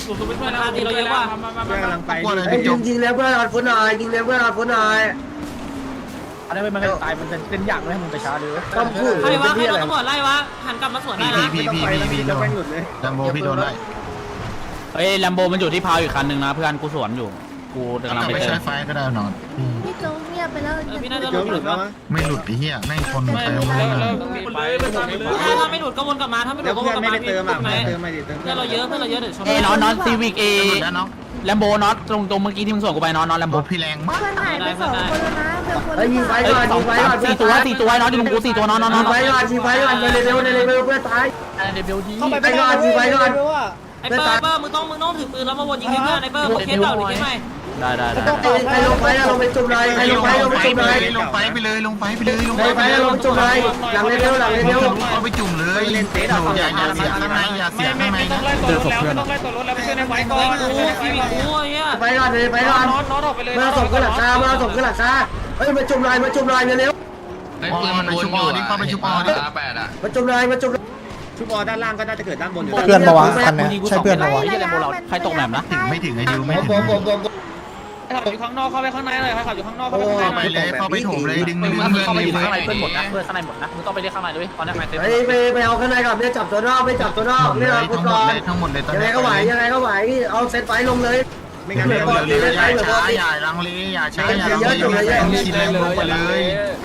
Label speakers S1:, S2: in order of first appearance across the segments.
S1: สูไปช่วยแล้วตีเราเยอะกว่ามา
S2: กำลังไป
S3: ยิงแล้วเพื่อนเอาฟุตหน่อยยิงแล้วเพื่อนเอาฟุตหน่อย
S2: อันนี้มันตายมันเป็นอย่างเลยมึงไปช้าเลย
S3: ต้องพูด
S1: ใครวะใครโดนตำรวจไล่วะหันกลับมาสวนได้แล้ว
S2: พี่จะไปหลุดเลย
S4: แลมโบพี่โดนไล่
S5: เฮ้ยแลมโบมันอยู่ที่พาวอีกคันนึงนะเพื่อนกูสวนอยู่กูกำลังไป
S4: ไป
S5: เจ
S4: ใช้
S5: อ
S4: ไฟก็ได้นอน
S6: พี่โจ๊กเงียบไปแล้ว
S1: พี่น่าจะห
S2: เยอะห
S1: ลุ
S2: ลุ
S1: ด
S2: ดแล้ว
S1: มั้ง
S4: ไม่หลุดไอ้เหี้ยแม่งคนไปหมดเลย
S1: ถ้าไม่หลุดก็วนกลับมาถ้าไม่หลุ
S2: แล้
S1: ด
S2: ว
S1: ก็ว
S2: เพื่อน
S1: กลับ
S2: ไม่
S1: มา
S2: ได้เติมอ่ะไม่เติมไม่ได้เติม
S1: เพื่อนเราเยอะเพื่อนเราเยอะเดี๋ยวชน
S5: เอ้ยน็อตซีวิกเอ
S4: แล้วน้อง
S5: แลมโบน็อตตรงเมื่อกี้ที่มึงส่งกูไปน็อตแลมโบ
S4: โบพี่แรงมาก
S6: เพื่อนหายไป2 คนแล้วนะเพื่อนคน
S3: ไอ้ยิงไฟก่อนยิงไฟก่อน
S5: สี่ตัวน็อตอยู่ตรงกู4 ตัวน็อต
S3: ยิงไฟก่อนยิงไฟก่อนในเลเวลเพื่อนตาย
S5: เดบิวที
S3: เข้าไปก่อนยิงไฟก่อน
S1: ไอ้เปิ้ลมึงต้องถือปืนแล้วมาวนยิงเพื่อนไอ้เปิ้ลเคสเก่าหรือเคสใหม่
S5: ได้
S3: ใครลงไฟลงไปจุ่มเลยใครลงไฟลงไปจุ่มเลย
S4: ลงไฟไปเลยลงไฟไปเลยลง
S3: ใครไฟลงไปจุ่มเลยหลังเลเวล
S4: เอาไปจุ่มเลยอย่าเสียข้างในอย่าเสียข้างในนะ
S5: เจอศพเพื่อน
S1: ชีวิตกูเฮีย
S3: ไฟก่อนเลยไฟก่อนมาส่งขึ้นหลังคามาส่งขึ้นหลังคาเฮ้ยมาจุ่มลายเร็ว
S4: ไอ้ปืนมันไปชุบออดิเข้าไปชุบออดิ
S3: มาจุ่มลาย
S2: ชุบอด้านล่างก็น่าจะเกิดด้านบนอยู่
S7: เพื่อนมาวะคันเนี้ยใช่เพื่อนมาวะ
S5: ไอ้แลมโบเราใครตกแบบนะ
S4: ไม่ถึงไอ้ดิวไม่ถึง
S1: ขับอยู่ข้างนอกเข้าไปข้างในเลยขับอยู่ข้างนอก
S4: เข้าไปเลยเข้าไปโถมเลยดึง
S5: มึง
S4: เพื่อน
S5: เข้าไปอยู่
S4: เลย
S5: ข้างในเพื่อนหมดนะเพื่อนข้างในหมดนะมึงต้องไปเรียกข้างในด้วยตอนนี้เต็ม
S3: ไปเอาข้างในก่อนไม่จับตัวนอกไม่จับตัวนอกไม่เอาคนก่อน
S4: ทั้งหมดเลยตอน
S3: ยังไง
S4: นี้
S3: ก็ไหวเอาเซตไฟลงเลย
S2: ไม่งั้น
S4: เร็
S2: เดี๋ยว
S4: วอย่าช้าอย่าลังเลอย่าช้าอย่าลังเลคิดเลยลงไปเลย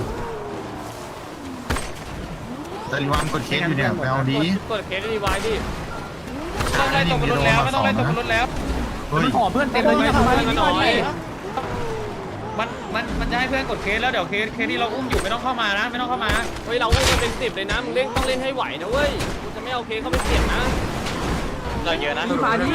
S4: แต่รีวามกดเคสอยู่เนี่ยไปเอาดี
S1: กดเคสดีไว้ดิต้องไล่ตกรถแล้วไม่ต้องไล่ตกรถแล้ว
S4: เฮ้ย
S5: ห่อเพื่อนเต็มเลยทำไม
S1: น้อยมันจะให้เพื่อนกดเคสแล้วเดี๋ยวเคสที่เราอุ้มอยู่ไม่ต้องเข้ามานะไม่ต้องเข้ามาเฮ้ยเราอุ้มกันเป็น10เลยนะมึงต้องเล่นให้ไหวนะเว้ยกูจะไม่เอาเคสเข้าไปเสี่ยงนะเราเยอะนะ
S5: มาดิ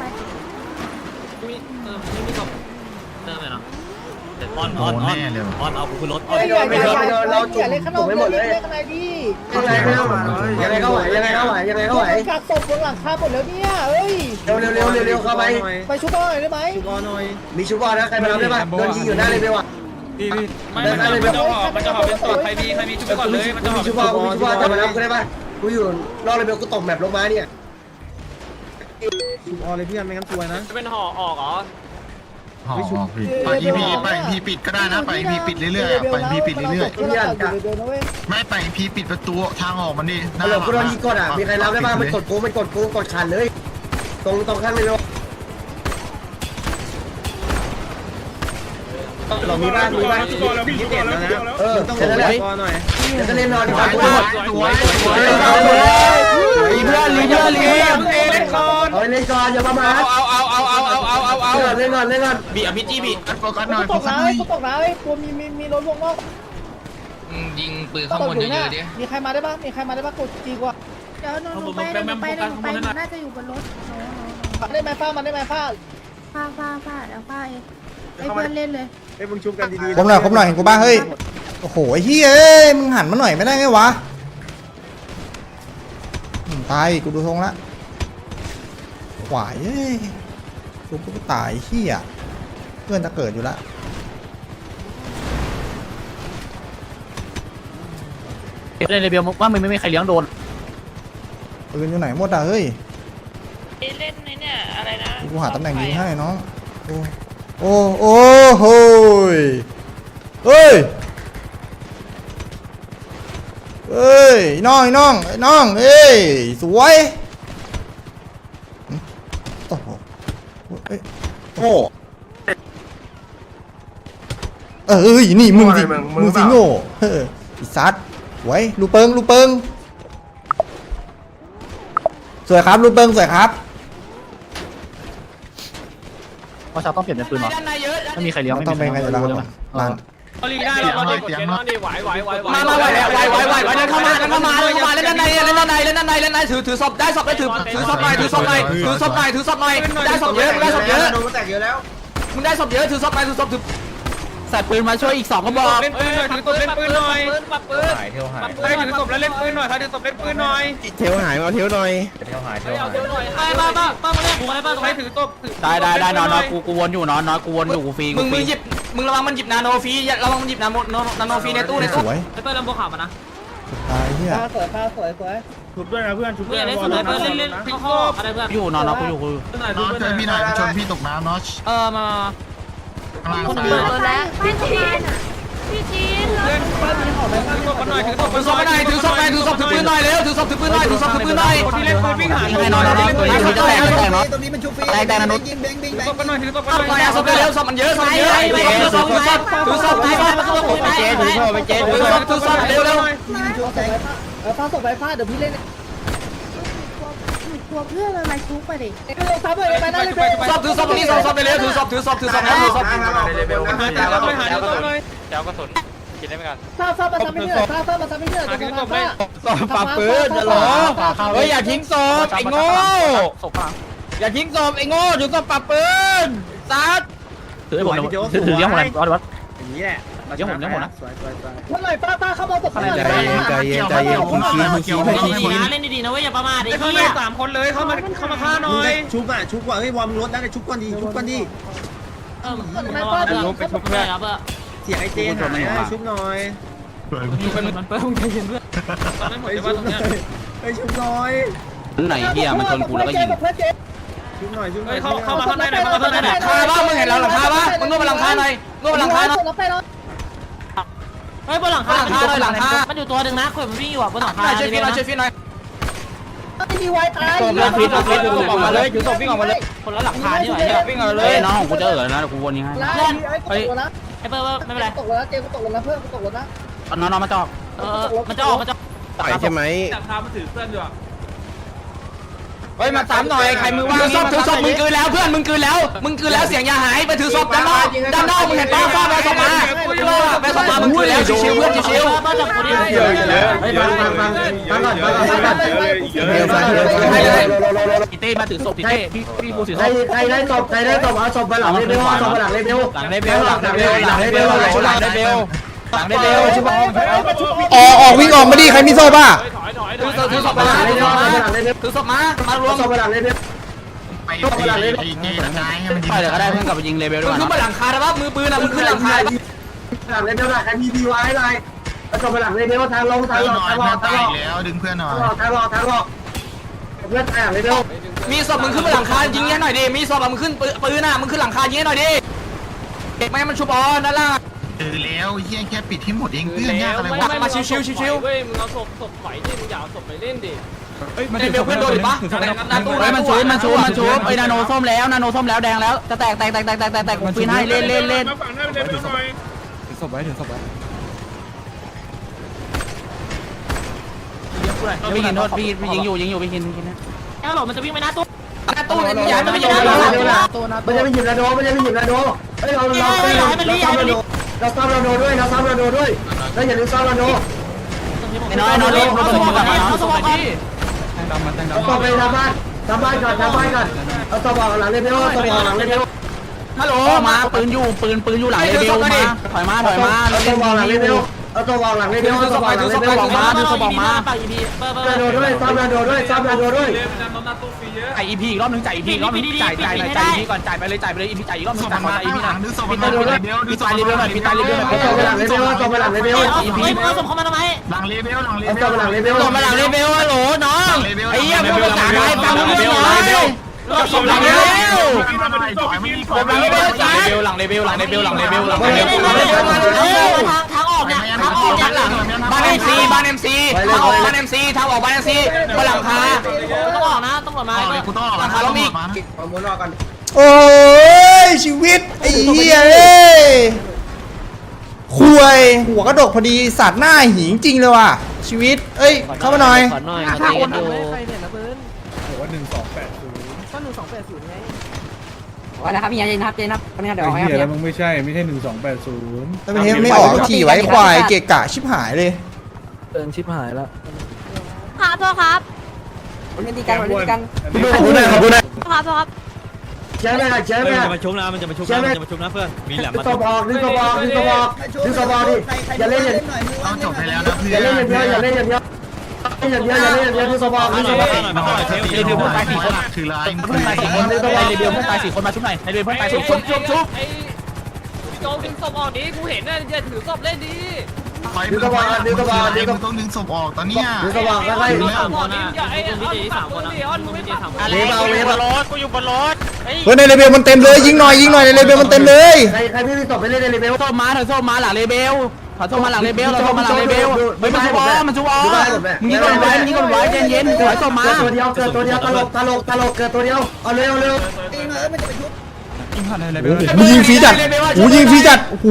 S1: ไม่มีศพเติมเลยเนาะ
S4: โดนแน่เลย
S1: เอากูขึ้นรถ
S3: ไม่โดนเราจุ่มไม่หมดเลยยังไงก็ไหวยังไงก็ไหว
S8: กักศพบนหลังคาหมดแล้วเนี่ยเอ้ย
S3: เร็วเข้าไป
S8: ไปชุบหน่อยได้ไหม
S2: ชุบอหน่อย
S3: มีชูบอลนะใครมารับได้ป่ะโดนยิงอยู่หน้าเลยไปว่ะ
S1: มันจะหอบเป็นศพใครมีชุบไปก่อนเลยมันจะหอบ
S3: ชูบอลจะมารับกูได้ป่ะกูอยู่รอเลยเบลกูตกแมปลงมาเนี่ย
S2: ชุบอเลยเพื่อนไม่งั้นซวยนะ
S1: จะเป็นห่อออกเหรอ
S4: ห่อผิดไปอีพีไปพีปิดก็ได้นะไปพีปิดเรื่อยๆไปพีปิดเรื่อยๆไม่ไปพีปิดประตูทางออกมันดิ
S3: ฮัลโหลกูโดนยิงกดอ่ะมีใครรับได้ป่ะมันกดกูกดขันเลยตรงข้างเลยเรามีบ้าน
S2: ที่เด็ดแล้วนะต้องลงไปก่อนหน่อย
S3: จะเล่นนอนดีกว่า
S4: สวย
S5: รีเพื่อน
S1: เล่นก่อน
S3: เล่นก่อนอย่าประมาท
S1: เอา
S3: เล่นก่อน
S5: บีอภิจีบี
S4: โฟกัสหน่อย
S8: ต
S4: โฟ
S8: ก
S4: กัส
S8: น้ำ
S4: หน่อย
S8: ตกน้ำตัวมีรถวงนอก
S5: ยิงปืนข้างบนเยอะๆดิ
S8: มีใครมาได้บ้างกดจีกว่า
S6: เดี๋ยวหนูไปน่าจะอยู่บนรถ
S8: ได้ไหมฟ้ามันได้ไหมฟ้า
S6: ฟ้าเดี๋ยวฟ้าเองให้เพื่อนเล่นเลย
S2: ไอ้มึงชุบกันดีๆ
S7: ครบหน่อยเห็นกูบ้างเฮ้ยโอ้โหไอ้เหี้ยเอ้ยมึงหันมาหน่อยไม่ได้ไงวะตายกูดูทรงละขวายเอ้ยชุบกูตายเหี้ยเพื่อนจะเกิดอยู่ละ
S5: เล่นเรเบลว่ามันไม่มีใครเลี้ยงโดน
S7: ปืนอยู่ไหนหมดอ่ะเฮ้ย
S6: เล่นเนี่ยอะไรนะ
S7: กูหาตำแหน่งยิงให้น้องโอ้โหเฮ้ยน้องเอ้ยสวยโอ้โหนี่มึงสิโง่อีสัตว์ไว้ลูเปิงสวยครับลูเปิงสวยครับ
S5: ว่าชาวต้องเปลี่ยนเป็นปืนหรอไม่มีใครเลี้ยง
S7: ต้องเป็นไงเดี๋ยวเราร้าน
S1: เอาลีได้เราดีกดเคสนอนดีไหว
S5: มาไหวเดินเข้ามาเล่นด้านในถือศพได้ศพได้ถือศพหน่อยได้ศพเยอะมึงได้ศพเยอะถือศพถือใส่ปืนมาช่วยอีก2กระบอก
S1: เล่นปืนหน่อยถือศพเล่นปืนหน่อยปับปืนถือศพแล้วเล่นปืนหน่อยถือศพเล่นปืนหน่อย
S2: เทวหายมาเทวหน่อย
S1: เอาเดี๋ยวหน่อยป้ามาเล่นกูอะไรป้าตรงไหนถือศพ
S5: ได้นอนกูวนอยู่นอนกูวนอยู่กูฟรีมึงหยิบมึงระวังมันหยิบนาโนฟรีระวังมันหยิบนาโนฟรีในตู้
S7: สวย
S1: ไอ้เปิ้ลลำโพงข่าวมานะ
S7: ตายเหี้ย
S8: ฟ้าสวย
S2: ชุบด้วยนะเพื่อนชุบด้วย
S1: เล่นสุดเลยเพื่อนเล่นเข้าอะไรเพื่อน
S5: อยู่นอนนะกูอยู่กู
S4: น็อตช่วยพี่หน่อยชนพี่ตกน้ำน็อต
S1: มา
S4: ข้างล่าง
S6: คน
S4: ซ้า
S6: เปิด
S4: ย
S6: รถแล้วพี่จีนพี่จีน
S1: เล่นถือศพกันหน่อยถือศพ
S5: ถือศพไปไหนถือศพไปถือศพถือปืนหน่อยเร็วถือศพถือปืนหน่อยถือศพถือปืนหน่อย
S1: คนที่เล่นปืนวิ่งหา
S5: ยิงให้นอนนะตัวนี้มันจะแตกจะแตกเนาะ
S3: ตรงนี้มันชุบฟรี
S5: แตกนะนุ๊ก
S3: ยิงแบงค์
S1: ถือศพกันหน่อยถือศพกัน
S5: เอา
S1: หน่อย
S5: ไปเอาศพเร็วศพมันเยอะศพมันเยอะถือศพถือศพถือศพถือศพถือศพไปเจ๊ถือศพไปเจ๊ถือศพถือศพเร็วเร็ว
S3: ชุบแบงค์
S8: ฟาส่งไปฟาเดี๋ยวพี่เล่น
S6: กลัวเพื่อนมันมาชุบไปดิ
S8: เล่นซับเลยไปนั่นเลย
S5: ศพถือศพนี่ศพไปเร็วถือศพถือศพถือศพนะถือศพ
S1: หาถือศพเลยหาถือศพเลยแถวกระสุนกินได้ไหมกัน
S8: ฟามาทำไม่เหนื่อยฟามาทำไม่เหนื่อย
S1: หาถือศพเลย
S8: ปาปืนจะหรอ
S2: เฮ้ยอย่าทิ้งศพไอ้โง่อย่าทิ้งศพไอ้โง่ถือศพปะปืนซัดถือให้ผมถือยังผมเลยวัดอย่างนี้แหละยังผมนะ
S8: คนไหนป้าเข้ามาตบคนไหน
S4: ใจเย็น
S1: เล่นดีๆนะเว้ยอย่าประมาทไอ้เหี้ย3คนเลยเข้ามาฆ่าหน่อย
S3: ชุบอ่ะชุบก่อนเฮ้ยวอร์มรถได้ชุบก่อนดีชุบก่อนดี
S8: ไม่ป้า
S1: ไปชุบเพื่อนครับ
S3: เสียงไอเจนหายชุบหน่อย
S1: มันเปิ้ลใจเย็นเพื่อนตอนนั้นหมดเลยว่าตรงนี้
S3: เฮ้ยชุบหน่อย
S5: ไหนเฮียมันชนกูแล้วก็ยิง
S3: ชุบหน่อยชุบหน่
S1: เฮ้
S3: อย ย
S1: เข้ามาข้างในหน่อยเข้ามาข้างในหน่อย
S5: คาบ้ามึงเห็นแล้วหลังคาบ้ามึงนวดบนหลังคาหน่อยนวดบนหลังคาหน่อย
S1: เฮ้ยบนหลังคา
S5: หลังคาหน่อยหลังคา
S1: มันอยู่ตัวหนึ่งนะคนมันวิ่งอยู่อ่ะบนหลังคา
S5: ช่วยพี่หน่อยช่วยพี่หน่อย
S8: ไม่มีไวตาย
S2: ศพเลยผิดผิดถือศพออกมาเลยถือศพวิ่งออกมาเลย
S1: คนละหลังคานี่หว่า
S2: วิ่งออกมาเล
S5: เฮ้ย
S2: ย
S5: น้องของกูจะนะเดี๋ยวกูวนยิงให้
S8: ไอ้ตกแล้ว
S1: ไอ้เปิ้ลไม่เป็นไร
S8: ตกแล้วเจมตกแล้วเพื่อนตกแล้วนะ
S5: น้องมาจอก
S1: มันจะออกมันจะ
S2: ต่อยใช่ไหม
S1: หลังคามันถือเพื่อนอยู่อ่ะ
S2: เฮ้ยมาสามหน่อยใครมือว่าง
S5: ถือศพมึงคืนแล้วเพื่อนมึงคืนแล้วเสียงยาหายไปถือศพด้านนอกมึงเห็นป้าฟาดไปศพมาไปศพมามึงคืนแล้วชิวๆเพื่อนชิว
S1: บ้านจับคนนี้
S3: เฮ้ยฟังก่อน
S2: เต้มาถือศพเต้พี่กูถือศพ
S3: ใครได้ศพเอาศพไปหลังเลเบลเอาศพไปหลังเลเบล
S2: หลังได้เบลหลังได้เบลหลังได้เบลหลังได้เบลหลังได้เบลใช่ปะ
S7: ออกวิ่งออกมาดิใครมีโซ่ป่ะ
S5: ถือศพมาถือศพมารวม
S3: ศพไปหลังเลเบล
S4: ไปไอ้เกย์ตายให้มันยิง
S5: ไปเลยก็ได้เพื่อนกลับไปยิงเลเวลด้วยมึงขึ้นบนหลังคาได้ปะมือปืนอ่ะมึงขึ้นหลังคา
S3: หลังเลเบลหลังพีพีไว้ไรเอาศพไปหลังเลเบลทางลงทาง
S4: เพื่อน
S3: ล
S4: ห
S3: ง
S4: น่อย
S3: ทางล
S4: เพื่อน
S3: ง
S4: ตายแล้วดึงเพื่อนหน่อย
S3: ทางลงเพื่อนหลังเลเบล
S5: มีศพมึงขึ้นบนหลังคายิงให้หน่อยดิมีศพมึงขึ้นปืนอ่ะมึงขึ้นหลังคายิงให้หน่อยดิไม่มันชุบออนนั่นล่ะ
S4: แล้วเฮียแค่ปิดให้หมดเองเพื่อนยากอะไรวะ
S5: มาชิวๆ
S1: เว้ยมึงเอาศพไหวดิมึงอย่าเอาศพไปเล่นดิ
S5: เลเวลเพื่อนโดนหรือปะนาตู้
S2: มันชูไอ้นาโนส้มแล้วแดงแล้วจะแตกผมปีนให้เล่น
S5: พี่กินโทษพี่ยิงอยู่พี่กินนะ
S1: แล้วหรอมันจะวิ่งไปหน้าตู้
S5: นาตู้อย่าไม่ยิง
S3: มันจะไม่หยิบระโดเฮ้ยเราซ่อมระโดด้วยเราซ่อมระโดด้วยแล้วอย่าลืมซ่อมระโด
S5: ไอ้น้อยเล่นเขาสมองเขาสมองพี่
S3: เอาศพไปทำบ้านก่อนเอาศพออกหลังเลเบลเอาศพออกหลังเลเบล
S5: ฮัลโหลมาปืนอยู่หลังเลเวลมาถอยมา
S3: เอาศพออกหลังเลเบลเอาศพออกหลังเลเบลเอาศพออกหลังเลเบล
S1: ปากอีพี
S3: ระโดดด้วยซ่อมระโดด้วย
S2: จ่าย EP อีกรอบนึงจ่าย EP อีกรอบนึงจ่าย EP ก่อนจ่ายไปเลย EP จ่ายอีกรอบนึ
S4: ศ
S2: ง
S4: พ
S2: จ่าย
S4: มา
S2: มา
S4: ข้าง
S2: EP
S4: หลั
S2: นะ
S4: งนึกศพมาเลเบลดูศพ
S2: พี่ตายเลเวล
S3: เอาศพไปหลังเลเบลเอาศพไปหลังเลเบล
S1: เฮ้ยมึงเอาศพเข้ามาทำไม
S4: หลังเลเบล
S3: เอาศพไปหลังเลเบล
S2: มาหลังเลเวลฮัลโหลน้องไอ้เหี้ยพวกภาษาไทยฟังรู้เรื่องหน่อย
S5: ศพหลังเลเวล
S2: หลังเลเวล
S1: ทางออกเนี่ยทางออกเนี่ยหลัง
S5: บ้านMC ทางออกบ้าน MC ทางออกบ้าน MC บนหลังคา
S1: ต้องออกนะต้องออกมา
S4: กูต้องออกมา
S3: เอาหมุนออกกัน
S7: โอ้ยชีวิตไอ้เหี้ยเอ้ยคุยหัวกระดกพอดีสัตว์หน้าหิงจริงเลยว่ะชีวิตเอ้ยเข้ามาหน่อย
S1: ขอหน่อยมาตีกันดู
S6: ว่านะครับมีอะไรนะครับเจนครับคนนี้เดี๋ยวเอาให้ครับ
S7: แล้วประเทศไม่ออกขี่ไว้ควายเกะกะชิบหายเลย
S6: ครับพ่อครับวันนี้ดีกันครับ
S3: ขอบคุณนะ
S6: พ่อครับ
S3: เชื่อไหมเชื่อไหม
S2: มาชุบนะมันจะมาชุบนะเพื่อนมีแหลม
S3: ดึ
S2: มาง
S3: ศพออกดิอย่าเล่นอย่าง
S4: ต้องจบไปแล้วนะเพื่
S3: อย่า
S4: อ
S3: เล่นอย่างเดียวอย่าเล่นอย่างเดียวดึงศพออก
S2: เลเวลเพื่อนตาย4 คน
S4: คือลาย
S2: เพื่อนตาย4 คนในเลเวลเพื่อนตาย4 คนมาชุบหน่อยในเลเวลเพื่อนตาย4 คน
S1: ไอ้โจดึงศพออกดิกูเห็นน่ะอย่าถือศพเล่นดิ
S4: ไฟมึงต้องดึงศพออกตอนเนี้ย
S3: ดูสว่างแล้วให้
S1: สามคนนะพี่เจสามคนนะพี่เจสามคน
S3: เวฟเอาเวฟเอา
S1: กูอยู่บนรถ
S7: เฮ้ยในเลเวลมันเต็มเลยยิงหน่อยในเลเวลมันเต็มเลย
S3: ใครไม่มีศพไปเล่นในเลเวล
S5: ส้มมาถอยส้มมาหลังเลเบลถอยส้มมาหลังเลเบลเราส้มมาหลังเลเบลเฮ้ยมันชูอ๋อมันชูอ๋อมึงยิงก่อนไว้มึงยิงก่อนไว้เย็นๆถอยส้มมา
S3: เกิดตัวเดียวเกิดตัวเดียวตลกเกิดตัวเดียวเอาเร็ว
S7: กูยิงฟรีจัดกูยิงฟรีจัดโอ้โห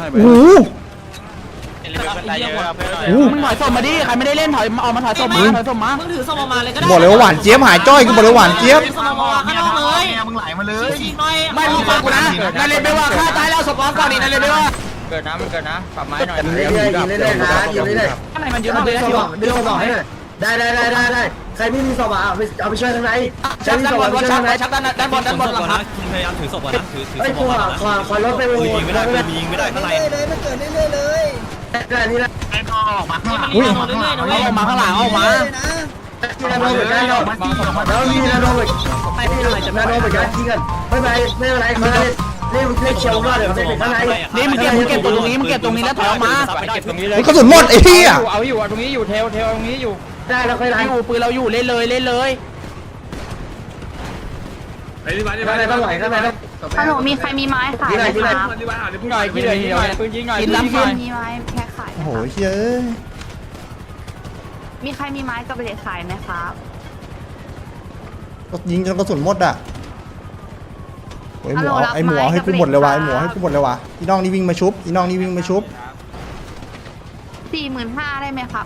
S5: มึงถอยส้มมาดิใครไม่ได้เล่นถอยออกมาถอยส้มมาถอยส้มมา
S1: มึงถือสมมาเลยก็ได้
S7: บอกเลยว่าหวานเจี๊ยบหายจ้อยกูบอกเลยหวานเจี๊ยบ
S1: สมมาข้างนอกเลย
S4: มึงไหลมาเลย
S1: ยิงหน่อย
S5: ไม่มึงฟังกูนะในเลเบลว่าฆ่าตายแล้วศพร้องก่อนดิในเลเบลว่า
S2: เกิดนะมันเกิดนะปรับไม้หน่อย
S3: ยิงเรื่อยๆนะยิงเรื่อย
S5: ข้างในมันเย
S3: ๆ
S5: อะมากเลยนะ
S3: ส
S5: ที่
S3: ว่า
S5: ว่าง
S3: ดึงสว่างให้หน่อยได้ใครไม่มีสว่างเอาไปช่วยข้างในใคร
S5: ชัก
S3: มี
S5: ด้า
S3: ส
S5: นบ
S3: ว่าง
S5: น
S3: ไป
S5: วัด
S3: ช่วย
S5: ชั
S3: ข้าก งใน
S5: ชักด้านบนหลังคา
S1: พยายามถือศพก่อนนะถือ
S3: ไอ้ตัวขอรถไปวนๆ
S1: ยิงไม่ได้ยิงไม่ได้ข้างใน
S8: เลยมันเกิดเรื่อยๆเลย
S3: ได้นี่นะ
S4: ไอ้ก็ออกมาข้างหลัง
S5: เอาออกมาข้างหลังเอาออกมา
S3: ที่นาโดเหมือนกันแล้วมีนาโดเหมือนนาโดเหมือนกันยิงกันไม่เป็นไรเขาเล่นเชียวว่าเดี๋ยวเขาจะเป็นข้างใน
S5: นี่มึงเก็บตรงนี้มึงเก็บตรงนี้แล้วถอยออกมา
S2: เก็บตรงนี้เลย
S7: มันกระสุนหมดไอ้เหี้ย
S2: เอาอยู่ตรงนี้อยู่เทลตรงนี้อยู่
S3: ได้แล้วค่อยไล่
S5: อยู่ปืนเราอยู่เล่นเลย
S3: ข้างในต้องไหวข้างในต้อง
S6: ฮัลโหลมีใครมีไม้ขายไหมคะ
S2: หน่อยกี่เลยปืนยิงหน่อย
S5: กินล้ำหน่อย
S6: มีไม้แพ็คขายไหม
S7: โอ้โห
S6: คะ
S7: เฮ้ย
S6: มีใครมีไม้กับเด็กขายไหมครับ
S7: ยิงจนกระสุนหมดอ่ะโอ้ยหมูไอหมูให้กูหมดเลยวะไอหมูให้กูหมดเลยวะอีน้องนี่วิ่งมาชุบอีน้องนี่วิ่งมาชุบ
S6: 45,000ได้ไหมครับ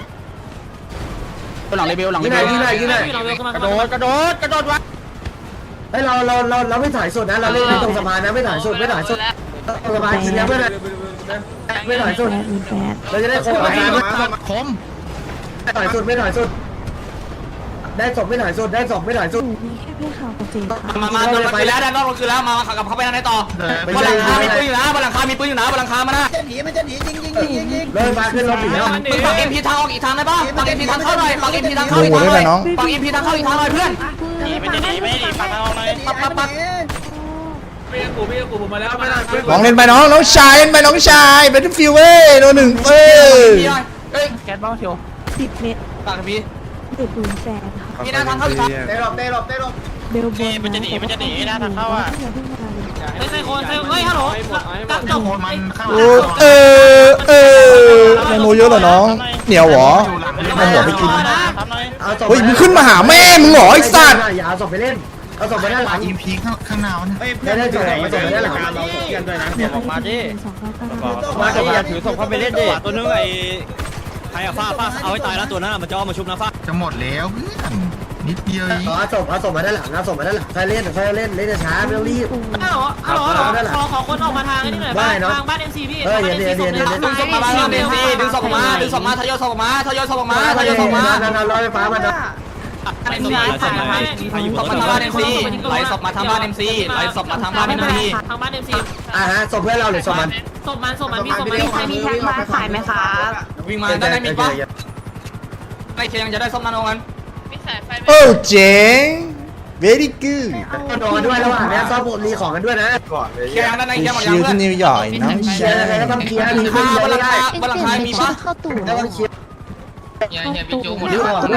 S5: หลังเลเบลหลังเล
S3: ยิง
S5: เบ
S3: ไหน
S5: ล
S3: ยิงไหน
S2: กระโดดวะ
S3: เฮ้ยเราไม่ถ่ายสุดนะเราเล่นตรงสะพานนะไม่ถ่ายสุดตรงสะพานยิงแล้วไม่ถ่ายสุดเราจะได้คงอาการ
S4: คม
S3: ไม่ถ่ายสุดได้ศพไม่ถ่ายสุดได้ศพไม่ถ่ายสุด
S5: มาโดนไปแล้วด้านนอกลงคือแล้วมาขับเข้าไปทางไหนต่อบนหลังคามีปืนอยู่นะบนหลังคามีปืนอยู่นะบนหลังคามานะ
S8: มันจะหนียิง
S3: เลยมาขึ้นรถผีแล้ว
S5: มึงปักเอ็มพีทางออกอีกทางได้ป่ะปักเอ็มพีทางเข้าหน่อยปักเอ็มพีทางเข้า
S7: ดู
S5: อีก
S7: หัว
S5: ทาง
S7: ด้วย
S5: หน่อย
S7: นะน้อง
S5: ปักเอ็มพีทางเข้าอีกทางหน่อยเพื่อน
S1: มันจะหนีไม่หนีปักเอาเลย
S5: ปัก
S7: น้องเล่นไปน้องชายเล่นไปน้องชายเป็นฟิวเว้ยโดนหนึ่งเอ้ย
S5: เฮ้ยแก๊สบ้าเชียว
S6: 10 เมตร
S5: ปักพี่
S6: เด็กปืนแสนค่ะ
S5: พี่หน้าทางเข้าอีกทาง
S3: ได้หลบ
S6: เบลบน
S1: มันจะหนีนะทางเข้าอ่ะ
S6: อย่าเพิ่งมาเลย
S1: เฮ้ยคนเฮ้ยฮัลโหลกับจบ
S4: มันข้างห
S7: โอ้
S4: ลัง
S7: ในโมเยอะเหรอน้องเหนียวหรอเอาหัวไปกินเฮ้ยมึงขึ้นมาหาแม่มึงเหรอไอ้สัตว์
S3: อย่าเอาศพไปเล่นเอาศพไปด้านหลัง
S4: อีพีข้างหน้ามัน
S3: ได้ศพไปด้านหลัง
S2: เราเพื่อนด้วยนะเดี๋ยวออกมาดิ
S6: 299
S2: มาดิอย่าถือศพเข้าไปเล่นดิ
S1: ตัวนึงไอ้ใครอะฟ้าเอาให้ตายแล้วตัวนั้นมันจะเอามาชุบนะฟ้า
S4: จะหมดแล้วเพื่อนนิดเดียว
S3: เอาศพมาด้านหลังใครเล่นช้าไม่ต้องรีบ
S1: ฮัลโหลขอคนออกมาทางนี้หน่อยทางบ้านเอ็มซีพี่
S5: ดึงศพมาดึงศพมาดึงศพมาทยอยศพมาทยอยศพมาทยอยศพมา
S3: รอไฟฟ้ามัน
S5: เอ็มซีศพมาทางบ้านเอ็มซีไหลศพมาทางบ้านเอ็มซีไหลศพมาทางบ้านเอ็มซี
S1: ทางบ้านเอ็มซี
S3: ฮะศพเพื่อนเราหรือศพมัน
S1: ศพมันพี่ศพมัน
S6: มีใครมีแพ็คไม้ขายไหมครับ
S5: วิ่งมาด้านในมีปะไอ้เชียงจะได้ศพนาโนกัน
S7: โอ้เจ๋ง very good
S3: นอนด้วยระหว่างนี้ซ่อมรีของกันด้วยนะ
S5: เชียงด้านในเชียงหมด
S7: ชิ
S5: ยัง
S7: ว
S5: เพื่อ
S7: ที่
S5: น
S7: นิวยอร์กน้อง
S3: เคลี
S7: ชาย
S3: ร์อะไรก็ต้องเคลียร์รีไม่
S5: บนหลัง
S3: ได้
S5: คาบนหลังคามีปะ
S6: เข้าตู่
S3: ต้องเคลียร์
S5: รี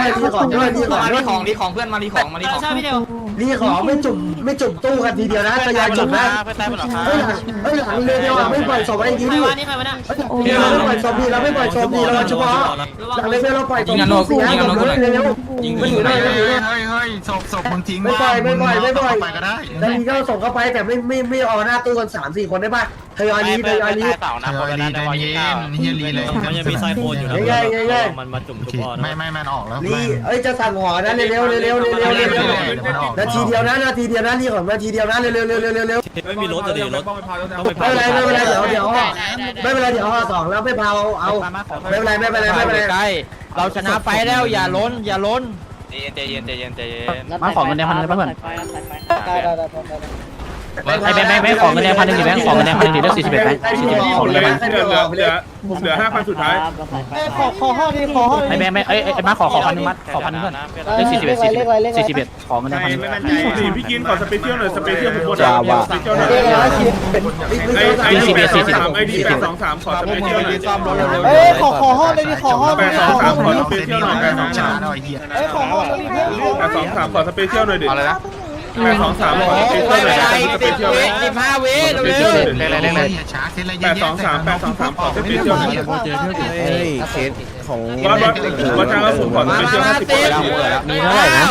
S5: ของเพื่อนมารีของ
S1: ใช่พี่เดียว
S3: รีของไม่จุ่มตู้กันทีเดียวนะทยอยจุ่มนะเฮ้ยหลังเลยเดียวไม่ปล่อยศพไอ้ดี
S1: ใคร
S3: ดิ
S1: วะนี่ใครวะเนี่ย
S3: เราไม่ปล่อยศพดีเราไม่ปล่อยศพดีเราเฉพาะหลังเลยเราปล่อยศพดีเร็วไม่อยู่ได้ไม่อยู่ได้
S4: เฮ้ยศพมึงทิ้ง
S3: ไม่ปล่อย
S4: ไปก็ได้
S3: แล้วทีก็ส่งเข้าไปแต่ไม่เอาหน้าตู้กัน3-4 คนได้ป่ะทยอยรี
S4: เต่านะพอแล้วได้เย็นเฮียรีเลย
S1: มันยังมีไซโคนอยู่นะมันมาจุ่มจุ่มอ่อน
S4: ไม่มันออกแล้ว
S3: รีจะสั่งห่อนะเร็วนาทีเดียวนะรีของนาทีเดียวนะเร็ว
S1: ไม่มีรถจะดีรถต้องไป
S3: ไม่เป็นไรเดี๋ยวไม่เป็นไรเดี๋ยวห่อ2แล้วไม่เผาเอาไม่เป็นไร
S2: ใกล้เราชนะไฟแล้วอย่าล้น
S1: ใจเย็น
S5: มาของเงินในพันเลยป่ะเพื่อน
S8: ได้
S2: ไอ้แบงค์ของเงินแดง1,000ดิแบงค์ของเงินแดง1,000ดิเลือก41แบงค์41ของเงินแดง
S9: เหลือ5,000สุดท้าย
S8: ขอห้อดิขอห้อดิ
S2: ไอ้แบงค์ไอ้มาขอ1,000มัดขอ1,000เพื่อนเลือก41ของเงินแดง1,000
S9: พี่กินขอสเปเชียลหน่อยสเปเชียลทุกคนสเปเชียลหน่อยไอดี823ขอสเปเชียลหน่อย
S8: ขอห้อเลยดิขอห้อเลยดิขอห้อ
S4: ขอเซตนี้เราเป็นน้องชนะเราไอ้เหี้ย
S8: ขอห้อเลยดิ
S9: 823ขอสเปเชียลหน่อยดิ
S6: อะไรนะ
S9: 823ขอสเปเชียลหน่อยสเปเชียล
S5: 15 วิเร็ว
S4: ช้าเซตอะไร
S9: 823ขอสเปเชียลหน่อย
S3: เคสของ
S9: ว่าจ้างก็ผมขอสเปเชียล50
S5: มีเท่าไหร่นะ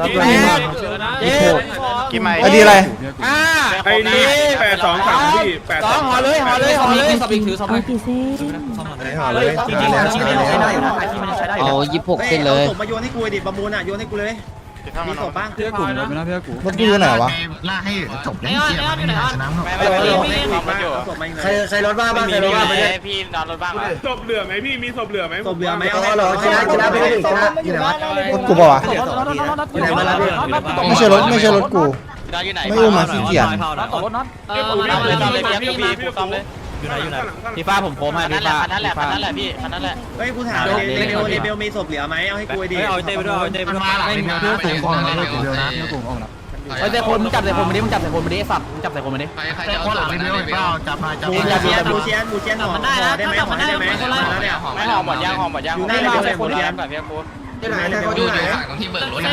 S2: กี่ไม้
S7: ไอดีอะไร
S9: ไอดี823พี่8
S5: ห่อเลยสบิกถือสบิก
S6: กี่เส้น
S3: ห่อเลย
S2: จริงๆแล้วใช้ได้อยู่นะไอ้ที่มันใช้ได้อยู่
S5: เอา26เส้นเลย
S8: มาโยนให้กูดิประมูลอ่ะโยนให้กูเลยมีศพบ้าง
S7: เมื่อกี้อยู่ไหนวะ
S4: ล่าให้จบได้เสียไม่ได้ชนะหรอก
S3: ใครรถบ้าบ้างใครรถบ้าไม่ได้
S1: พี่นอนรถบ้าง
S9: ศพเหลือไหมพี่มีศพเหลือไหม
S8: ศพเหลือไหม
S3: เอาเหรอชนะไปเลยชนะอยู่ไหนวะ
S7: รถกูป่าวะ
S3: อยู่ไหนมาแล้วพี่
S7: ไม่ใช่รถกู ไม่อุ้มมาขี้เกียจ
S2: ต่อรถน็อต
S1: มาเลยพี่ซ้อมเลย
S2: พี่ฟ้าผมโค้งให้พี่ฟ้า
S1: นั่นแหละพี่นั่นแหละ
S8: เฮ้ยกูถามเดเบลมีศพเหลือไหมเอาให้กูดิ
S2: เอาเต้ไปด้วยเอาเต้ไปด้วย
S4: มาหลังไม่มีเพื่อนสูงก่อนเลยเดียวนะเพื่อนสูงก่อน
S2: ไอ้แต่คนมึงจับใส่คนมาดิมึงจับใส่คนมาดิสับมึงจับใส่คนมาดิ
S4: แต่คนหลังเดียวเปล่าจับมาจับ
S8: มูเชียนห่อได้ไหมห่อได้ไหมเนี่ย
S1: ไม่หอมหมดย่างอยู่หน้าเดี๋ยวคนเดียวแบบพี่กู
S3: ที่ไหนที่ไหน
S4: ที่เบิกรถ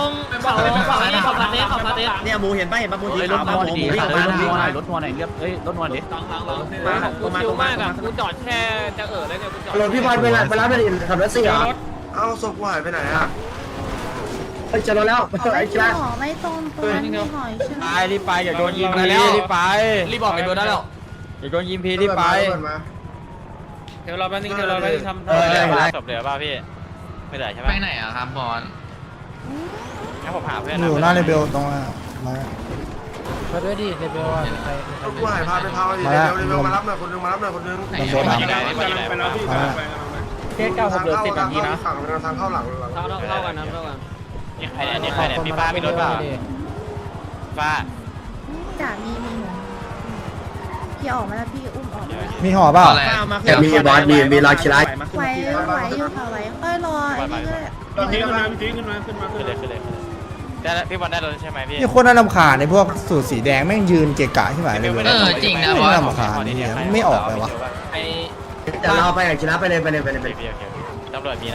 S8: เนี่ยมูเห็นป่ะมูสี
S2: รถ
S8: ขาว
S2: น
S8: ป่ะ
S2: อน
S8: มู
S2: ดี
S8: วิ่งออกมา
S2: รถนอนรถนอนไหนเรียบเฮ้ยรถนอนดิ
S1: กูมาตรงมากกูจอดแค่จะเลยเนี่ยกูจอด
S3: รถพี่บอลไปรับไปดิขับรถ4เหรอ
S4: เอาศพหายไปไหนอ่ะ
S3: จะรถแล้ว
S6: ไม่
S3: ไอ้
S6: กิน
S3: จ้า
S6: หอไม่ตรงตัวนี้หอยใช่ไหม
S2: รีบไปอย่าโดนยิงพีรีบไป
S5: รีบบอกไปโดนได้แล้ว
S2: อย่าโดนยิงพีรีบไป
S1: เดี๋ยวเราไปทำศพเหลือป่ะพี่ไม่ได้ใช่ไหม
S4: ไปไหนอ่ะครับบอล
S1: งั้นผมหาเพื่อน
S7: อยู่หน้าเลเบลตรงมา
S5: ไปด้วยดิเดบิว
S4: กูหายพาไปพาดิเร็วมารับหน่อยคนนึงมารับหน่อยคนนึง
S7: ลำโบน้ำ
S9: ไปแล้วพี่ไป
S2: เคส9 6เหลือ10นาทีนะ
S4: ฝั่งทางเข้าหลัง
S1: เข้ากันนะเข้ากันนี่ใครเนี่ยพี่ฟ้ามีรถป่ะฟ้า
S6: จ่ามีพี่ออกมาแล้วพี่อุ้มออกมา
S7: มีห่อเปล่า
S3: มีบอลมีรอยคิรา
S6: ไหวอยู่ค่ะไหวค่อยรอไอ้นี่ก็
S9: พี่ขึ้นมาพี่ขึ้นมา
S1: ขึ้นเลยได้พี่บอลได้รถใช่ไหมพี่
S7: นี่โคตรน่ารำคาญในพวกสูตรสีแดงแม่งยืนเกะกะใช่ไหมเลย
S5: จริงนะ
S7: ไม่รำคาญเนี่ยไม่ออกเลยวะ
S1: ไอ้
S3: จะเราไปอย่างชนะไปเลย
S1: ตำรวจมี